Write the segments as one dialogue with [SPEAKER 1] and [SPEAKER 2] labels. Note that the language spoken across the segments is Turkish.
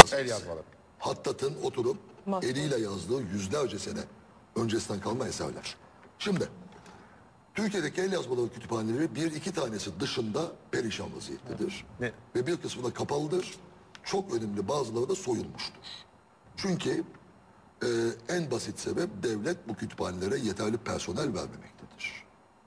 [SPEAKER 1] yazması.
[SPEAKER 2] El yazmaları.
[SPEAKER 1] Hattat'ın oturup eliyle yazdığı yüzlerce sene öncesinden kalma eserler. Şimdi Türkiye'deki el yazmaları kütüphaneleri bir iki tanesi dışında perişan vaziyettedir.
[SPEAKER 3] Ne?
[SPEAKER 1] Ve bir kısmı da kapalıdır. Çok önemli bazıları da soyulmuştur. Çünkü en basit sebep devlet bu kütüphanelere yeterli personel vermemektedir.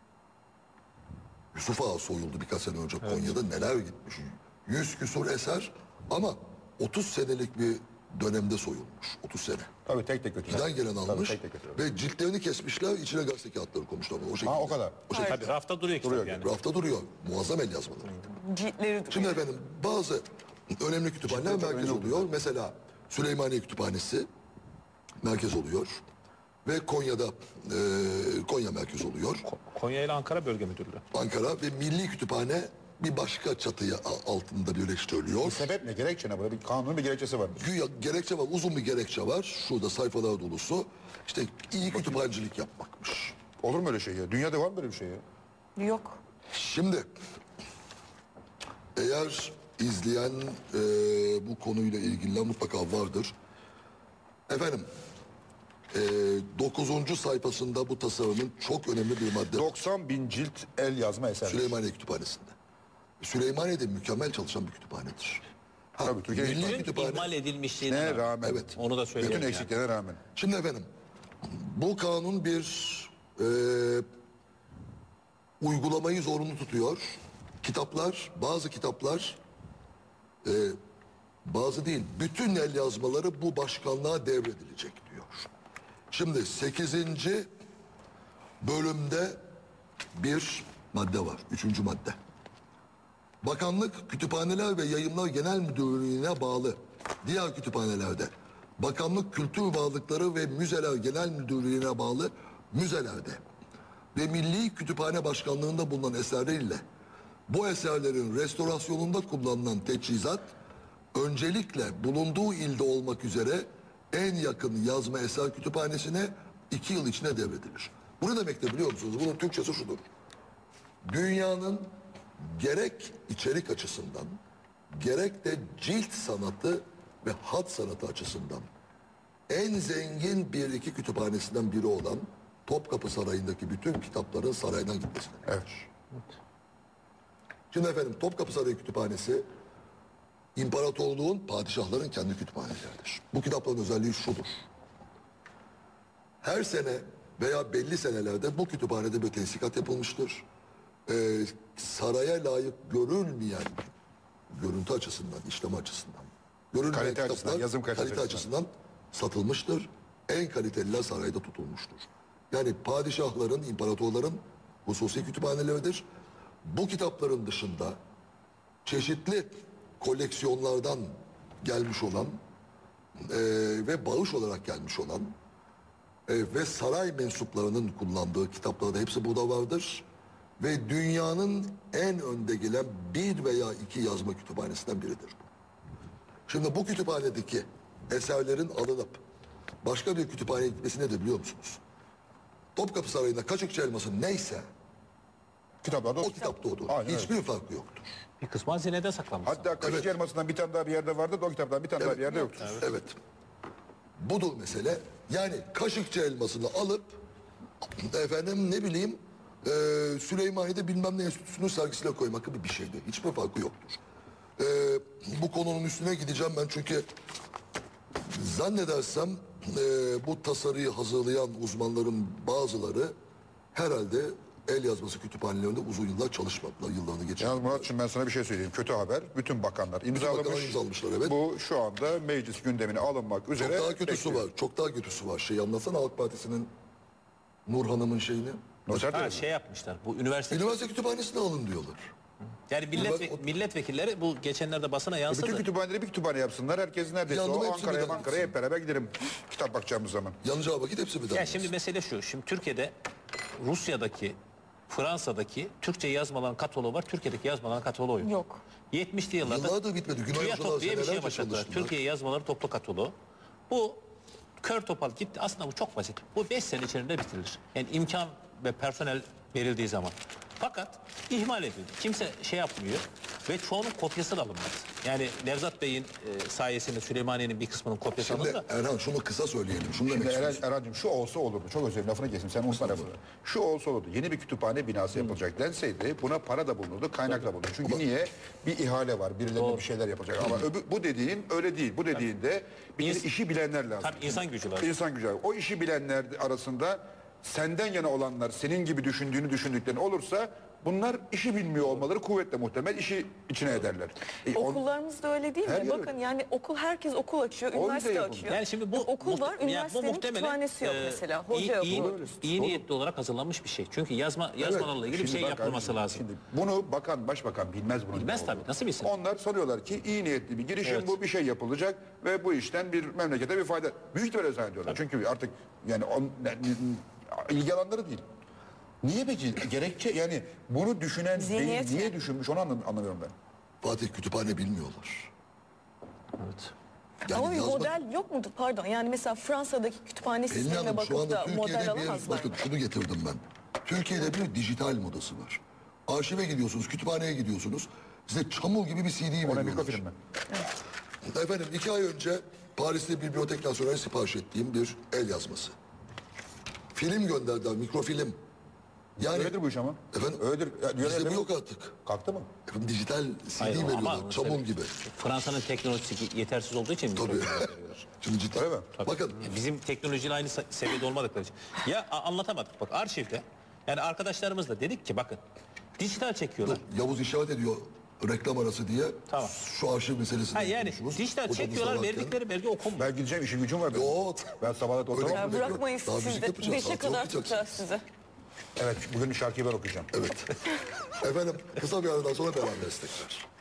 [SPEAKER 1] Yusuf Ağa soyuldu birkaç sene önce Konya'da, neler gitmiş. 100 küsur eser ama 30 senelik bir dönemde soyulmuş. 30 sene.
[SPEAKER 2] Tabii tek tek götürüyor.
[SPEAKER 1] Giden gelen almış
[SPEAKER 2] tek tek götürüyor.
[SPEAKER 1] ve ciltlerini kesmişler, içine gazete kağıtları koymuşlar. O şekilde.
[SPEAKER 2] Ha, o kadar.
[SPEAKER 1] O şekilde.
[SPEAKER 3] Tabii rafta duruyor kitap yani.
[SPEAKER 1] Rafta duruyor. Muazzam el yazmaları.
[SPEAKER 4] Ciltleri duruyor.
[SPEAKER 1] Şimdi efendim bazı önemli kütüphaneler merkez oluyor. Mesela Süleymaniye Kütüphanesi merkez oluyor. Ve Konya'da Konya merkez oluyor.
[SPEAKER 3] Konya ile Ankara Bölge Müdürlüğü.
[SPEAKER 1] Ankara ve Milli Kütüphane bir başka çatıya altında birleştiriliyor.
[SPEAKER 2] Sebep ne? Gerekçe ne? Burada bir kanunun bir gerekçesi var.
[SPEAKER 1] Güya gerekçe var, uzun bir gerekçe var. Şurada sayfalar dolusu. İşte iyi kütüphanecilik yapmakmış.
[SPEAKER 2] Olur mu öyle şey ya? Dünyada var mı böyle bir şey ya?
[SPEAKER 4] Yok.
[SPEAKER 1] Şimdi eğer izleyen bu konuyla ilgili mutlaka vardır. Efendim 9. sayfasında bu tasarımın çok önemli bir madde
[SPEAKER 2] 90 bin cilt el yazma eser.
[SPEAKER 1] Süleymaniye Kütüphanesi'nde. Süleymaniye'de mükemmel çalışan bir kütüphanedir.
[SPEAKER 2] Tabii, Türkiye'de
[SPEAKER 1] Milli
[SPEAKER 3] Bütün
[SPEAKER 1] Kütüphane.
[SPEAKER 3] ihmal edilmişliğine
[SPEAKER 2] Ne rağmen.
[SPEAKER 1] Evet.
[SPEAKER 3] Onu da söyleyeyim.
[SPEAKER 2] Bütün
[SPEAKER 3] yani.
[SPEAKER 2] eksiklerine rağmen.
[SPEAKER 1] Şimdi efendim bu kanun bir uygulamayı zorunlu tutuyor. Kitaplar, bazı kitaplar bazı değil, bütün el yazmaları bu başkanlığa devredilecek diyor. Şimdi 8. bölümde bir madde var. 3. madde. Bakanlık Kütüphaneler ve Yayınlar Genel Müdürlüğü'ne bağlı diğer kütüphanelerde, Bakanlık Kültür Varlıkları ve Müzeler Genel Müdürlüğü'ne bağlı müzelerde ve Milli Kütüphane Başkanlığı'nda bulunan eserleriyle bu eserlerin restorasyonunda kullanılan teçhizat öncelikle bulunduğu ilde olmak üzere en yakın yazma eser kütüphanesine 2 yıl içinde devredilir. Bu ne demektir biliyor musunuz? Bunun Türkçesi şudur. Dünyanın gerek içerik açısından gerek de cilt sanatı ve hat sanatı açısından en zengin bir iki kütüphanesinden biri olan Topkapı Sarayı'ndaki bütün kitapların saraydan gitmesine.
[SPEAKER 2] Evet.
[SPEAKER 1] Şimdi efendim Topkapı Sarayı Kütüphanesi imparatorluğun, padişahların kendi kütüphaneleridir. Bu kitapların özelliği şudur. Her sene veya belli senelerde bu kütüphanede bir tensikat yapılmıştır. Saraya layık görülmeyen görüntü açısından, işlem açısından, görülmeyen
[SPEAKER 2] Kalite
[SPEAKER 1] kitaplar
[SPEAKER 2] açısından, yazım kalitesi
[SPEAKER 1] açısından satılmıştır. En kaliteliler sarayda tutulmuştur. Yani padişahların, imparatorların hususi kütüphaneleridir. Bu kitapların dışında çeşitli koleksiyonlardan gelmiş olan ve bağış olarak gelmiş olan ve saray mensuplarının kullandığı kitapları da hepsi burada vardır. Ve dünyanın en önde gelen bir veya iki yazma kütüphanesinden biridir bu. Şimdi bu kütüphanedeki eserlerin alınıp başka bir kütüphaneye gitmesi nedir biliyor musunuz? Topkapı Sarayı'nda Kaşıkçı Elması neyse
[SPEAKER 2] Kitaplarda
[SPEAKER 1] o kitapta odur.
[SPEAKER 2] Aynen
[SPEAKER 1] Hiçbir farkı yoktur.
[SPEAKER 3] Bir kısmı hazinede saklanmış.
[SPEAKER 2] Hatta Kaşıkçı Elması'ndan bir tane daha bir yerde vardı da o kitaptan bir tane daha bir yerde yoktur.
[SPEAKER 1] Evet. Budur mesele. Yani Kaşıkçı Elması'nı alıp efendim ne bileyim Süleymaniye'de bilmem ne enstitüsünün sergisine koymak gibi bir şeydi. Hiçbir farkı yoktur. Bu konunun üstüne gideceğim ben çünkü zannedersem bu tasarıyı hazırlayan uzmanların bazıları herhalde el yazması kütüphanelerinde uzun yıllar çalışmadılar. Yıllarını geçirdiler.
[SPEAKER 2] Yalnız Muratçığım ben sana bir şey söyleyeyim. Kötü haber. Bütün bakanlar
[SPEAKER 1] bakanlar
[SPEAKER 2] imzalamış.
[SPEAKER 1] imzalamışlar, evet.
[SPEAKER 2] Bu şu anda meclis gündemine alınmak üzere.
[SPEAKER 1] Çok daha kötüsü
[SPEAKER 2] bekliyor.
[SPEAKER 1] var. Çok daha kötüsü var. Şey anlatsana Halk Partisi'nin Nur Hanım'ın şeyini.
[SPEAKER 2] Noter
[SPEAKER 3] Ha,
[SPEAKER 2] değil mi?
[SPEAKER 3] şey yapmışlar. Bu üniversite
[SPEAKER 1] Üniversite kütüphanesine alın diyorlar.
[SPEAKER 3] yani milletvekilleri bu geçenlerde basına yansıdı.
[SPEAKER 2] Bütün kütüphaneleri bir kütüphane yapsınlar. Herkes neredeyse
[SPEAKER 1] Yandım,
[SPEAKER 2] o
[SPEAKER 1] hepsi
[SPEAKER 2] Ankara'ya
[SPEAKER 1] birden
[SPEAKER 2] Ankara'ya hep beraber gidelim kitap bakacağımız zaman.
[SPEAKER 1] Yanacağı vakit hepsi birden.
[SPEAKER 3] Ya şimdi mesele şu. Şimdi Türkiye'de Rusya'daki, Fransa'daki Türkçe yazmaların kataloğu var. Türkiye'deki yazmaların kataloğu yok.
[SPEAKER 4] Yok.
[SPEAKER 3] 70'li yıllarda
[SPEAKER 1] Yıllardır bitmedi. Günay hocalar
[SPEAKER 3] TÜYATOP diye bir şeye
[SPEAKER 1] senelerce
[SPEAKER 3] başladılar.
[SPEAKER 1] çalıştılar.
[SPEAKER 3] Türkiye yazmaları toplu kataloğu. Bu kör topal gitti. Aslında bu çok basit. Bu 5 sene içerisinde bitirilir. Yani imkan ve personel verildiği zaman. Fakat ihmal edildi. Kimse şey yapmıyor ve çoğunun kopyası da alınmadı. Yani Nevzat Bey'in sayesinde Süleymaniye'nin bir kısmının kopyası
[SPEAKER 1] Şimdi
[SPEAKER 3] alındı.
[SPEAKER 1] Erhan şunu kısa söyleyelim. Şunu demek
[SPEAKER 2] Şimdi
[SPEAKER 1] istiyorsun.
[SPEAKER 2] Erhan'cığım şu olsa olurdu. Çok özür dilerim lafını kesim. Sen unutma bunu. Şu olsa olurdu. Yeni bir kütüphane binası yapılacak denseydi buna para da bulunurdu, kaynak da bulunurdu. Çünkü niye? Bir ihale var. Birilerine bir şeyler yapacak. Ama bu dediğin öyle değil. Bu dediğinde bir kere işi bilenler lazım.
[SPEAKER 3] Tabii insan gücü lazım.
[SPEAKER 2] İnsan gücü. O işi bilenler arasında senden yana olanlar, senin gibi düşündüklerin olursa bunlar işi bilmiyor olmaları kuvvetle muhtemel işi içine ederler.
[SPEAKER 4] Okullarımız da öyle değil
[SPEAKER 2] Her
[SPEAKER 4] mi?
[SPEAKER 2] yer
[SPEAKER 4] Bakın
[SPEAKER 2] öyle.
[SPEAKER 4] yani herkes okul açıyor,
[SPEAKER 2] O yüzden
[SPEAKER 4] üniversite
[SPEAKER 2] yapıldı.
[SPEAKER 4] açıyor.
[SPEAKER 3] Yani şimdi bu
[SPEAKER 4] okul var,
[SPEAKER 3] bu
[SPEAKER 4] üniversitenin
[SPEAKER 3] muhtemelen,
[SPEAKER 4] kütüphanesi yok mesela. Hoca yok.
[SPEAKER 3] iyi niyetli olarak hazırlanmış bir şey. Çünkü yazmalarla ilgili bir
[SPEAKER 2] Şimdi
[SPEAKER 3] şey
[SPEAKER 2] bak
[SPEAKER 3] yapılması
[SPEAKER 2] abi,
[SPEAKER 3] lazım.
[SPEAKER 2] Şimdi bunu başbakan bilmez bunu.
[SPEAKER 3] Bilmez
[SPEAKER 2] ne
[SPEAKER 3] tabii,
[SPEAKER 2] olduğunu.
[SPEAKER 3] nasıl bilsin?
[SPEAKER 2] Onlar sanıyorlar ki iyi niyetli bir girişim
[SPEAKER 3] Evet.
[SPEAKER 2] bu, bir şey yapılacak ve bu işten bir memlekete bir fayda. Büyük ihtimalle zannediyorlar. Çünkü artık yani ilgi alanları değil. Niye peki? Gerekçe yani bunu düşünen
[SPEAKER 4] Zihniyet
[SPEAKER 2] değil, niye
[SPEAKER 4] mi?
[SPEAKER 2] düşünmüş onu anlamıyorum ben.
[SPEAKER 1] Fatih kütüphane bilmiyorlar.
[SPEAKER 3] Evet.
[SPEAKER 1] Yani
[SPEAKER 4] Ama bir
[SPEAKER 1] yazmak-
[SPEAKER 4] model yok mudur? Pardon. Yani mesela Fransa'daki kütüphane
[SPEAKER 1] Pelin
[SPEAKER 4] sistemine
[SPEAKER 1] Hanım şu
[SPEAKER 4] bakıp
[SPEAKER 1] anda
[SPEAKER 4] da model
[SPEAKER 1] Türkiye'de
[SPEAKER 4] alamazlar.
[SPEAKER 1] bakın şunu getirdim ben. Türkiye'de bir dijital modası var. Arşive gidiyorsunuz, kütüphaneye gidiyorsunuz. Size çamur gibi bir CD
[SPEAKER 2] Ona
[SPEAKER 1] veriyorlar.
[SPEAKER 2] mikrofilm mi?
[SPEAKER 1] Efendim 2 ay önce Paris'te Bibliotek Nasyonel'e sipariş ettiğim bir el yazması. Film gönderdiler, mikrofilm. Yani
[SPEAKER 2] Öyledir bu iş ama.
[SPEAKER 1] Efendim?
[SPEAKER 2] Öyledir. Ya,
[SPEAKER 1] bizde bu
[SPEAKER 2] mi?
[SPEAKER 1] yok artık.
[SPEAKER 2] Kalktı mı?
[SPEAKER 1] Efendim, dijital CD
[SPEAKER 3] Hayır, ama
[SPEAKER 1] veriyorlar, çamur
[SPEAKER 3] mesela
[SPEAKER 1] gibi.
[SPEAKER 3] Fransa'nın teknolojisi yetersiz olduğu için
[SPEAKER 1] Tabii. Şimdi ciddi.
[SPEAKER 2] Öyle mi?
[SPEAKER 1] Bakın
[SPEAKER 3] bizim teknolojiyle aynı seviyede olmadıkları için. Ya anlatamadık bak arşivde. Yani arkadaşlarımızla dedik ki bakın dijital çekiyorlar.
[SPEAKER 1] Yavuz işaret ediyor reklam arası diye.
[SPEAKER 3] Tamam.
[SPEAKER 1] Şu arşiv meselesini
[SPEAKER 3] Ha, yani
[SPEAKER 1] konuşuruz.
[SPEAKER 3] dijital
[SPEAKER 1] Hocamızla
[SPEAKER 3] çekiyorlar
[SPEAKER 1] varken.
[SPEAKER 3] verdikleri belge okunmuyor.
[SPEAKER 2] Ben gideceğim işim gücüm var benim.
[SPEAKER 1] Yok.
[SPEAKER 2] Ben sabahleyin
[SPEAKER 1] Öyle
[SPEAKER 2] oturamam.
[SPEAKER 4] Ya
[SPEAKER 1] Bekliyor.
[SPEAKER 4] bırakmayın
[SPEAKER 1] Daha
[SPEAKER 4] siz
[SPEAKER 1] müzik
[SPEAKER 4] de.
[SPEAKER 1] yapacağız,
[SPEAKER 4] 5'e
[SPEAKER 1] sanat
[SPEAKER 4] kadar
[SPEAKER 1] okuyacaksın.
[SPEAKER 4] tutacağız size.
[SPEAKER 2] Evet bugün şarkıyı ben okuyacağım.
[SPEAKER 1] Evet. Efendim kısa bir aradan sonra devam edeceğiz tekrar.